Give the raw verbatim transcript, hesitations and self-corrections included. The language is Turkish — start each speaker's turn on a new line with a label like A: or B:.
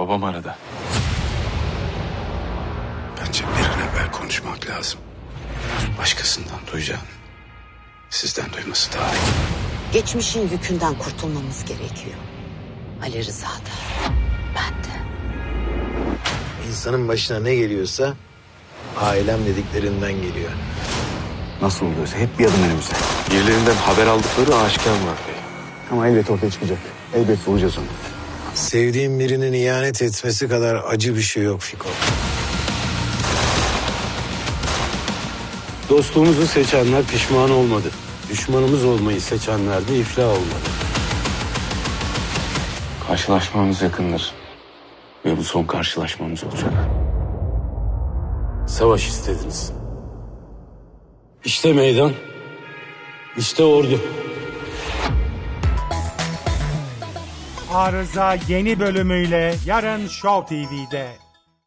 A: Babam aradı.
B: Bence bir an evvel konuşmak lazım. Başkasından duyacağım. Sizden duyması daha iyi.
C: Geçmişin yükünden kurtulmamız gerekiyor. Ali Rıza da, ben de.
D: İnsanın başına ne geliyorsa ailem dediklerinden geliyor.
E: Nasıl oluyorsa hep bir adım önümüzde.
A: Birilerinden haber aldıkları aşikar Murat Bey.
E: Ama elbet ortaya çıkacak. Elbet bulacağız onu.
D: Sevdiğim birinin ihanet etmesi kadar acı bir şey yok Fiko. Dostluğumuzu seçenler pişman olmadı. Düşmanımız olmayı seçenler de iflah olmadı.
A: Karşılaşmamız yakındır. Ve bu son karşılaşmamız olacak.
D: Savaş istediniz. İşte meydan, işte ordu.
F: Arıza yeni bölümüyle yarın Show T V'de.